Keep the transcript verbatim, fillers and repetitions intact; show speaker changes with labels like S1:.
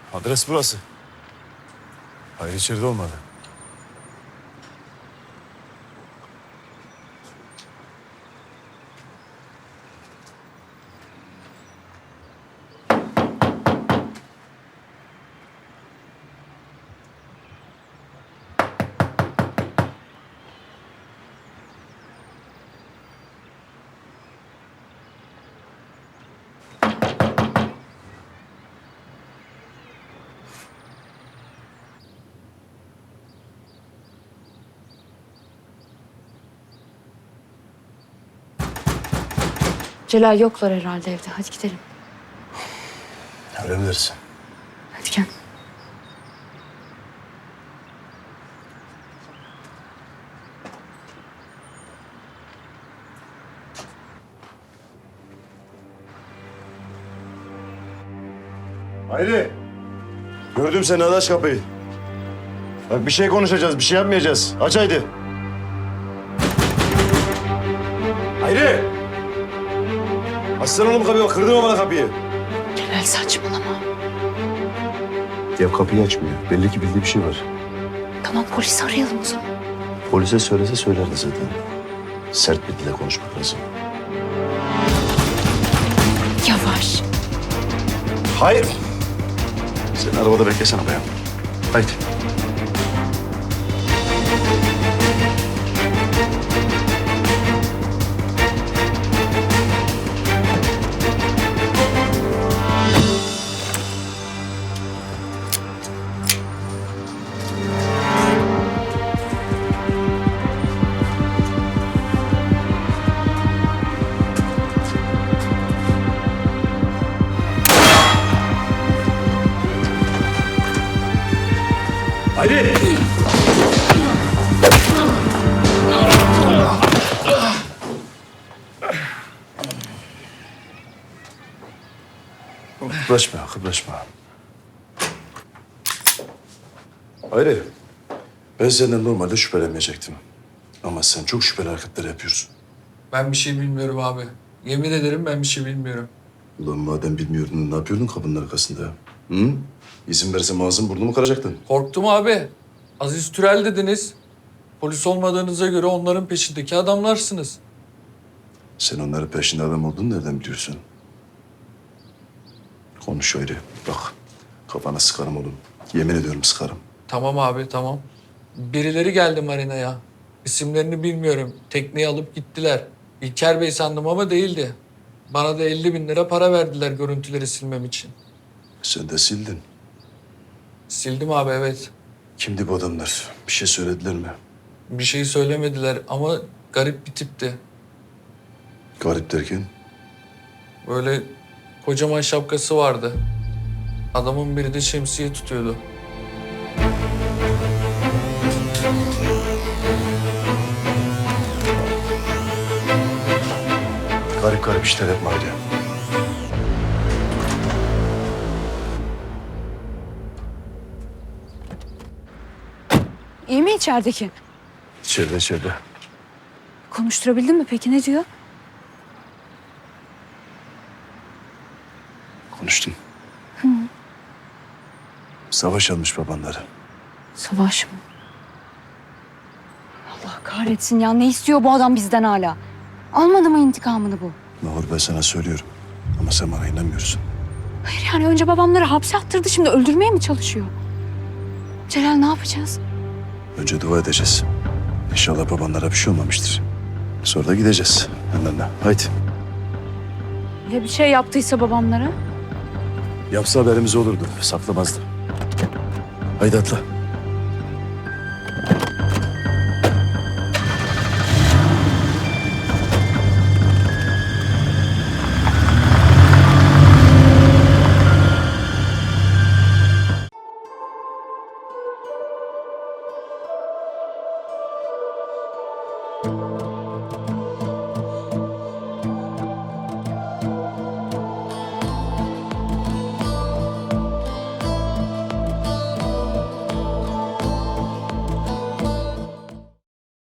S1: Adres burası. Hayır içeride olmadı.
S2: Celal yoklar herhalde evde. Hadi gidelim.
S1: Öyle mi dersin?
S2: Hadi gel.
S1: Hayri. Gördüm seni, hadi aç kapıyı. Bak bir şey konuşacağız, bir şey yapmayacağız. Aç haydi. Hayri. Açsana oğlum kapıyı, bak kırdın mı bana kapıyı?
S2: Celal saçmalama.
S1: Ya kapıyı açmıyor. Belli ki bildiği bir şey var.
S2: Tamam polisi arayalım o zaman.
S1: Polise söylese söylerdi zaten. Sert bir dille konuşmak lazım.
S2: Yavaş.
S1: Hayır. Sen arabada beklesene bayan. Haydi. Haydi. Kıpraşma, kıpraşma. Hayri, ben senden normalde şüphelenmeyecektim. Ama sen çok şüpheli hareketler yapıyorsun.
S3: Ben bir şey bilmiyorum abi. Yemin ederim ben bir şey bilmiyorum.
S1: Ulan madem bilmiyordun, ne yapıyordun kapının arkasında? Hı? İzin versem ağzın burnumu kıracaktın.
S3: Korktum abi. Aziz Türel dediniz. Polis olmadığınıza göre onların peşindeki adamlarsınız.
S1: Sen onların peşinde adam olduğunu nereden biliyorsun? Konuş Hayri, bak. Kafana sıkarım oğlum. Yemin ediyorum sıkarım.
S3: Tamam abi tamam. Birileri geldi marinaya. İsimlerini bilmiyorum. Tekneyi alıp gittiler. İlker Bey sandım ama değildi. Bana da elli bin lira para verdiler görüntüleri silmem için.
S1: Sen de sildin.
S3: Sildim abi evet.
S1: Kimdi bu adamlar? Bir şey söylediler mi?
S3: Bir şey söylemediler ama garip bir tipti.
S1: Garip derken?
S3: Böyle kocaman şapkası vardı. Adamın biri de şemsiye tutuyordu.
S1: Garip garip işler yapma Hayri.
S2: İyi mi içerideki?
S1: İçeride içeride.
S2: Konuşturabildin mi peki? Ne diyor?
S1: Konuştum. Savaş almış babanları.
S2: Savaş mı? Allah kahretsin ya. Ne istiyor bu adam bizden hala? Almadı mı intikamını bu?
S1: Mahur, ben sana söylüyorum. Ama sen bana inanmıyorsun.
S2: Hayır yani önce babamları hapse attırdı. Şimdi öldürmeye mi çalışıyor? Celal ne yapacağız?
S1: Önce dua edeceğiz. İnşallah babanlara bir şey olmamıştır. Sonra da gideceğiz. Yanlarına. Haydi.
S2: Ya bir şey yaptıysa babamlara?
S1: Yapsa haberimiz olurdu. Saklamazdı. Haydi atla.